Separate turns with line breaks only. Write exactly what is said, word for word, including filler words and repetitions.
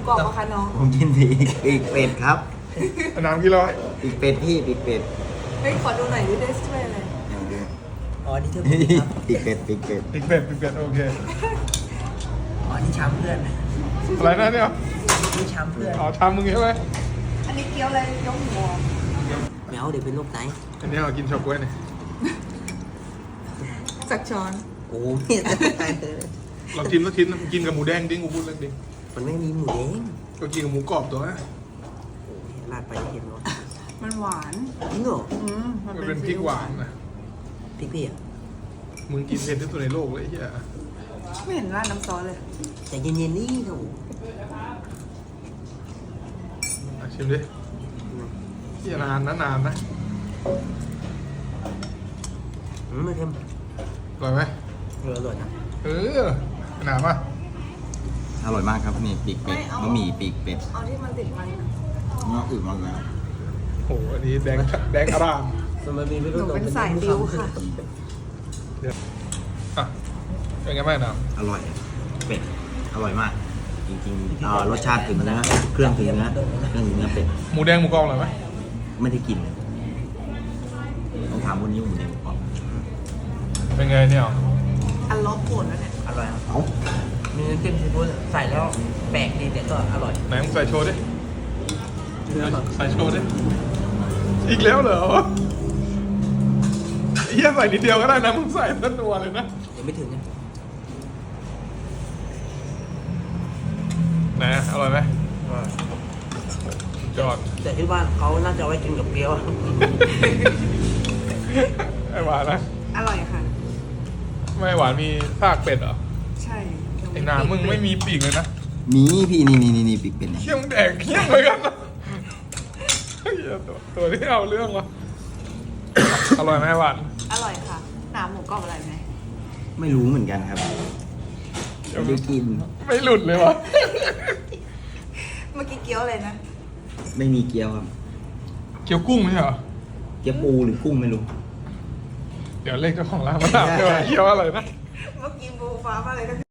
กรอบปะคะน้อง
ผมกินปีกปีกเป็ดครับ
น้ำกี่ร้อย
ปีกเป็ดพี่ปีกเป็ด
เฮ้ยขอดูหน่อยดิได้ช่วยอะไร
อ๋อนี่เธอพี่ครับ
ปีกเป็ดปีกเป็ด
ปีกเป็ดปีกเป็ดโอเค
อ๋อนี่ช้ำเพื่อน
อะไรนะเนี่ย
นี่ช้ำเพื่อน
อ๋อทำมึงใช่ไหม
อันนี้เกี๊ยวอะไรเกี๊ยวหมู
แมวเดี๋ยวเป็นโรคไต
อันนี้เรากินเฉาก๊วยเนี่ย
สักช้อน
โอ้ไม่จะตายเลย
เรากินแล้วกินกินกับหมูแดงดิ้งกูพูดเรื่องดิ้ง
มันไม่มีหมูแดง
ก็กินกับหมูกรอบตัวนะ
โอ้ยลาดไปเห็นหรอ
มันหวาน
จริงเหรอ
อืม
มันเป็นพริกหวานนะ
พริกพี่อ่ะ
มึงกินเผ็ดที่สุดในโลกเลยไอ้เหี้ย
ไม่เห็นราดน้ำซอสเลย
แต่เย็นๆนี่โถ
อ่ะชิมดิเหี้ยนานนะนานนะ
อืมไม่เค็ม
อร่อยไหม
เอออร่อยนะ
เออหนาป่ะ
อร่อยมากครับนี่ปีกเป็ดบะหมี่ปีกเป็ด
เอาที่มันติดมัน
เนื้ออื่นมันแล้ว
โอ้โหอันนี้แดงแดงอร่าม
มันมีไม่
ห
รู้
นู
ตัว
เป็นสายดิวค่ะ
เดี๋ยวอ่ะเป็นไงบ้างน้
อร่อยเป็ดอร่อยมาก จริงๆเอ่อรสชาติถึงเนื้อเครื่องถึงเนื้อเครื่องถึงเนื้อเป็ด
ำหมูแดงหมูกรอบอร่อยไหม
ไม่ได้กินเลยต้องถามคนนี้ว่าหมูแดงหมูกรอบ
เป็นไงเนี่ย
อันลบปวดแล้วเนี่ย
อร่อยครับ
เอ้า
มีน้ำจิ้มซีฟู้ดใส่แล้วแปลกดีแต่ก็อร่อย
ไหนมึงใส่โชว์ดิ
เนื้อแบบ
ใส่โชว์ดิอีกแล้วเหรอเฮียใส่นิดเดียวก็ได้นะมึงใส่ตั้งตัวเลยนะ
ยังไม่ถึงนะ
ไหนอร่อยไหมสุดยอด
แต่ที่บ้านเขาน่าจะเอาไว้กินกับเกี๊ยว
ไอหวานนะ
อร่อยค่ะ
ไม่หวานมีซากเป็ดเหรอ
ใช่
ไอ้หนามึงไม่มีปีกเลยนะ
มีพี่นี่นี่นี่นี่ปีกเป็ดเนี่ย
เขี้ยมงแดกเขี้ยมเหมือนกันนะเหี้ยตัวตัวที่เอาเรื่องวะอร่อยไหมหวาน
อร่อยค่ะหนาหมูกรอบอะไรไหม
ไม่รู้เหมือนกันครับไม่ได้กิน
ไม่หลุดเลยวะ
เมื่อกี้เกี๊ยวอะไรนะ
ไม่มีเกี๊ยวครับ
เกี๊ยวกุ้งไม่ใช่เหรอ
เกี๊ยวปูหรือกุ้งไม่รู้
เดี๋ยวเลขเจ้าของร้านมาถามด้วยว่าเกี๊ยวอะไรนะ
เมื่อกี้บูฟ้ามาเลยก็